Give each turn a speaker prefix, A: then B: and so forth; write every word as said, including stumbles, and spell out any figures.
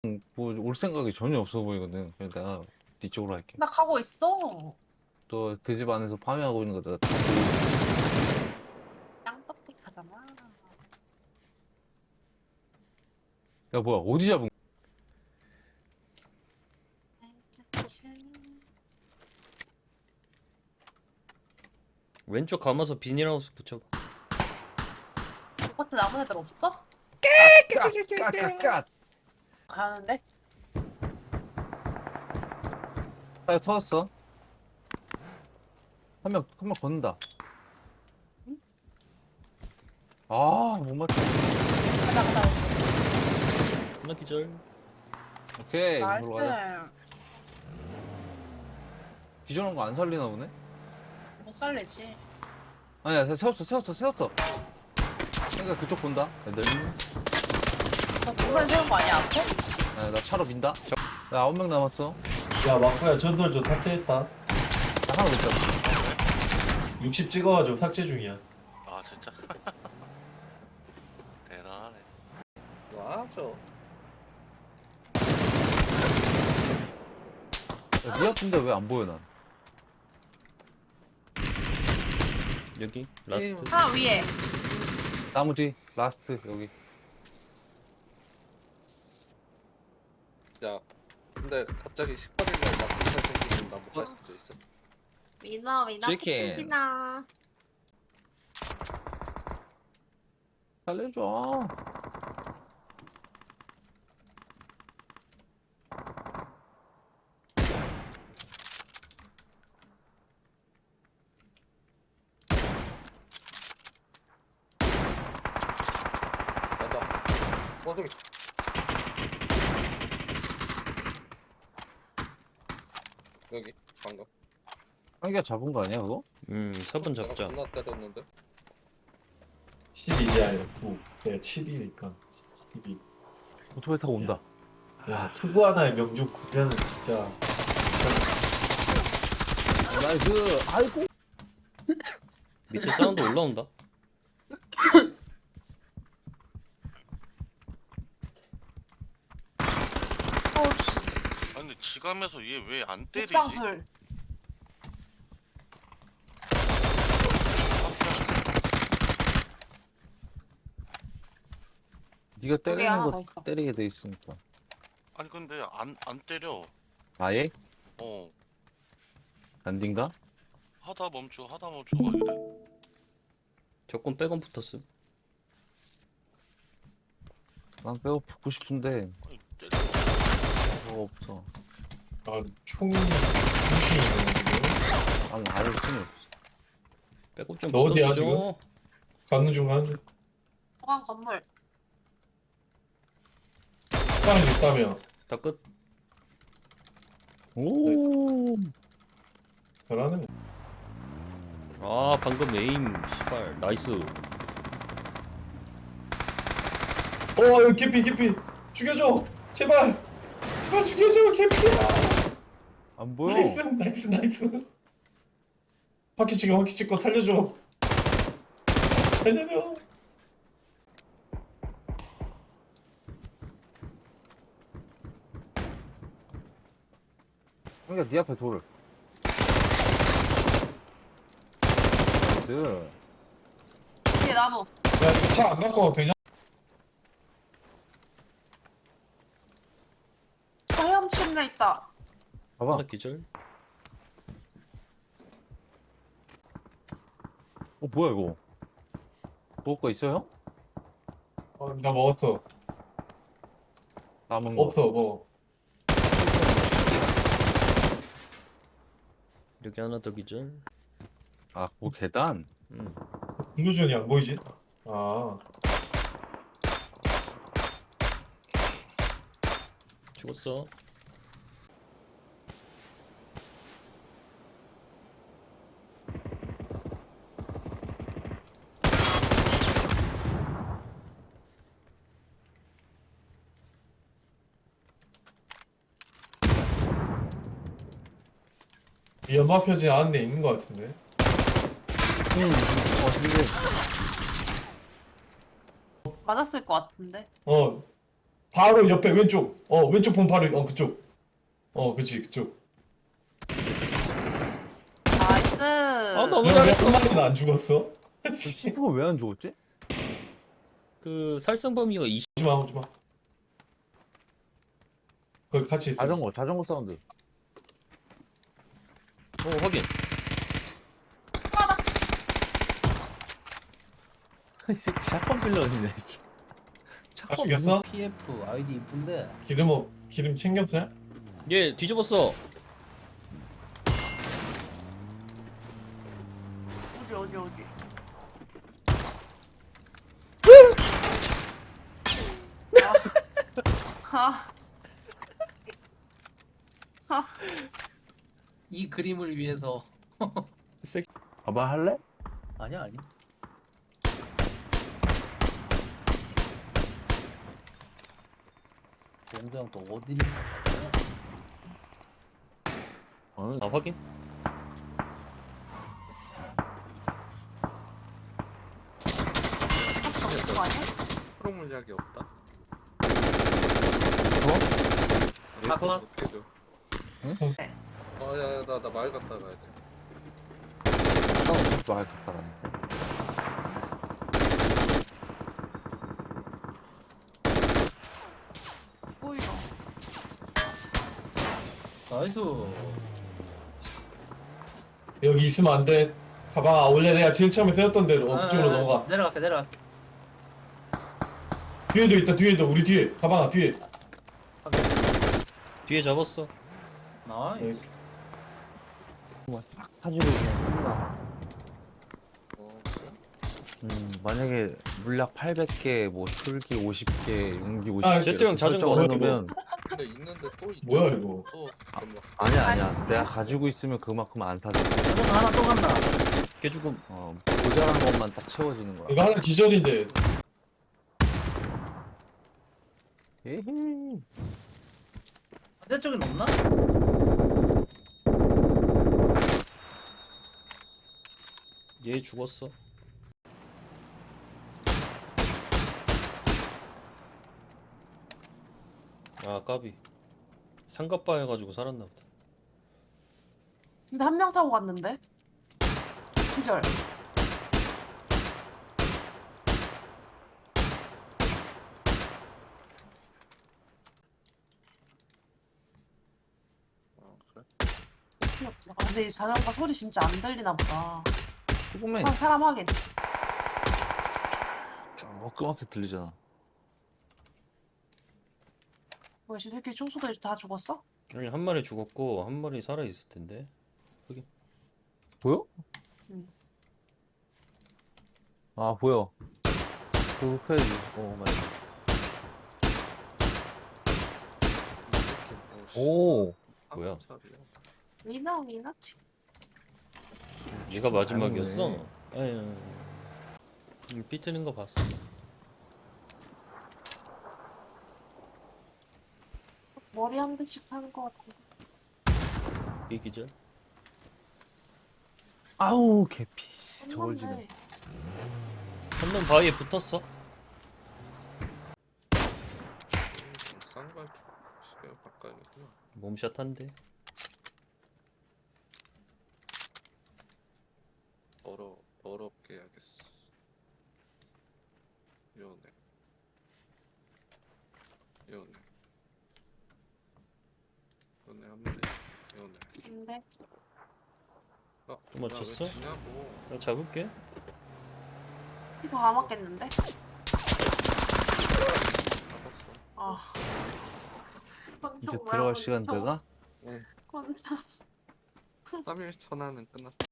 A: 뭐 올 생각이 전혀 없어 보이거든. 그래서 내가 뒤쪽으로 할게.
B: 나 가고 있어.
A: 또 그 집 안에서 파밍하고 있는 거다.
B: 짱떡픽 하잖아.
A: 야 뭐야 어디 잡은?
C: 왼쪽 감아서 비닐하우스 붙여봐.
B: 아파트 아무 애들 없어?
A: 까까까까.
B: 가는데?
A: 아 터졌어. 한 명 한 명 걷는다. 아 못 맞춰.
B: 가자 가자.
C: 하나 기절.
A: 오케이
B: 나이스.
A: 이쪽으로 가자. 기존한 거 안 살리나 보네.
B: 못 살리지.
A: 아니야 세웠어 세웠어 세웠어. 그러니까 그쪽 본다. 애들.
B: 너 두번 세운 거 아니야 앞에?
A: 아, 나 차로 민다. 나 아홉 명 남았어.
D: 야 마코야 전설 좀 삭제했다.
A: 나 하나 못 잡아.
D: 육십 찍어가지고 삭제 중이야.
E: 아 진짜? 대단하네.
F: 맞아.
A: 야, 니 앞인데 왜 안 보여 난?
C: 여기 라스트.
B: 하나 위에.
A: 나무 뒤 라스트 여기.
F: 야, 근데 갑자기 십팔 일날 막 불살 생기면 나 못 갈 수도 있어.
B: 위너 위너
A: 치킨.
B: 치킨 디너.
A: 살려줘.
F: 가자. 어, 저기. 여기, 방금.
A: 한개가 잡은 거 아니야 그거?
C: 음, 사 번
F: 내가
C: 잡자.
F: 존나 때렸는데.
D: 십일이 아니라 구. 내가 칠이니까 십이.
A: 오토바이 타고 온다.
D: 야 투구 하나의 명중 구면은 진짜.
A: 나이스. 아이고.
C: 밑에 사운드 올라온다.
B: 어우씨.
E: 아니 근데 지감에서 얘 왜 안 때리지?
B: 옥상불.
A: 네가
B: 우리
A: 때리는
B: 하나
A: 거
B: 더 있어.
A: 때리게 돼 있으니까.
E: 아니 근데 안 안 때려.
A: 아예?
E: 어
A: 안딘가?
E: 하다 멈추 하다 멈추 막 이래.
C: 적군 백원 붙었음.
A: 난 빼고 붙고 싶은데
E: 아니 때려.
A: 뭐가 없어.
D: 아 총이 총이 있는
A: 아니 아예 힘이 없어.
C: 백업 좀
D: 너 어디야,
C: 붙어주죠.
D: 가는 중 가는 중.
B: 중앙 건물.
D: 사람이 있다며.
C: 다 끝.
A: 오.
D: 잘하네.
C: 아, 방금 에임 씨발 나이스.
D: 어 여기 개피 개피 죽여줘 제발 제발 죽여줘 개피야.
A: 안 보여.
D: 나이스 나이스 나이스. 바퀴 찍어 바퀴 찍고 살려줘. 살려줘.
A: 그러니까 네 앞에 돌을. 나이스.
B: 뒤에 나무.
D: 야 이 차 안 갖고 와도 되냐?
B: 화염 침대 있다.
A: 봐봐.
C: 하나 기절.
A: 어 뭐야 이거? 먹을 거 있어요?
D: 어, 나 먹었어.
A: 남은 거.
D: 없어 뭐.
C: 여기 하나 더 기절.
A: 아, 뭐 계단?
C: 음.
D: 공도전이 안 보이지? 아
C: 죽었어.
D: 이 연마 표지 안에 있는 것 같은데.
A: 응. 어, 근데
B: 맞았을 것 같은데.
D: 어 바로 옆에 왼쪽. 어 왼쪽 본 바로 어 그쪽. 어 그치 그쪽.
B: 나이스.
C: 아 너무
D: 왜
C: 잘했어.
D: 한 마리는 안 죽었어?
A: 시프가 왜 안 죽었지?
C: 그 살상 범위가 이십.
D: 오지마 오지마. 거기 같이 있어.
A: 자전거 자전거 사운드.
C: 어 확인.
A: 이 새끼 샷건 빌런이네.
D: 다 죽였어?
G: 피에프 아이디 이쁜데
D: 기름 어 기름 챙겼어요?
C: 얘 뒤집었어.
B: 어디 어디 어디. 아. 아.
G: 이 그림을 위해서
A: 봐봐 할래?
G: 아니야 아니 공장 또 어디니
A: 어,
C: 아 확인.
B: 없는 거 아니야?
F: 프로 물약이 없다.
G: 아, 그만.
F: 어떻게 줘?
A: 응?
B: 네.
F: 아야야 나 나 말 갔다 가야 돼.
A: 사운드 말 갔다 가네.
B: 보이러.
G: 나이스
D: 여기 있으면 안 돼. 가방아 원래 내가 제일 처음에 세웠던 대로 어 그쪽으로
G: 아,
D: 넘어가.
G: 내려갈게 내려갈게
D: 뒤에도 있다 뒤에도 우리 뒤에 가방아 뒤에.
C: 뒤에 잡았어.
G: 나이스
A: 사지고 그냥 끝나.
F: 어 그래?
A: 음 만약에 물약 팔백 개, 뭐 술기 오십 개, 용기 오십 개.
D: 아,
C: 제트 형 자전거.
A: 해놓으면
F: 근데 있는데 또 있.
D: 뭐야 이거?
F: 또 잠깐만.
A: 아니야 아니야. 내가 가지고 있으면 그만큼 안 타져.
G: 자전거 하나 또 간다
C: 걔 죽음.
A: 어 모자란 것만 딱 채워지는 거야.
D: 이거 하나 기절인데.
A: 에헤이.
G: 반대쪽엔 없나?
C: 얘 죽었어. 아 까비. 상갑바 해가지고 살았나 보다.
B: 근데 한 명 타고 갔는데. 기절.
F: 어 그래?
B: 필요 없어. 아, 근데 이 자전거 소리 진짜 안 들리나 보다.
A: 조금만
B: 한 사람 확인.
A: 조그맣게 들리잖아.
B: 뭐야, 이 새끼 총소들 다 죽었어?
C: 아니 한 마리 죽었고 한 마리 살아 있을 텐데.
A: 보여?
B: 응.
A: 아 보여. 그거 해야지. 어 맞아. 오.
C: 뭐야?
F: 살이야.
B: 미나 미나 치.
C: 얘가 마지막이었어.
A: 아니네.
C: 아유. 음, 삐뜨는 거 봤어.
B: 머리 한 대씩 하는 거 같은데.
C: 이 기절.
A: 아우 개피. 저걸 지네.
B: 끝났네.
C: 한 놈 바위에 붙었어.
F: 쌍발 시계 바꿔야겠구나.
C: 몸샷 한대.
F: 더러 더럽게 해야겠어. 요네. 요네. 요네 한 마리. 요네.
B: 근데
F: 어,
C: 또 맞췄어?
F: 왜 지냐고.
C: 나 잡을게.
B: 이거 안 맞겠는데?
F: 잡았어.
B: 아.
A: 이제 들어갈 시간 돼가?
B: 건장.
F: 삼 일 전화는 끝났다.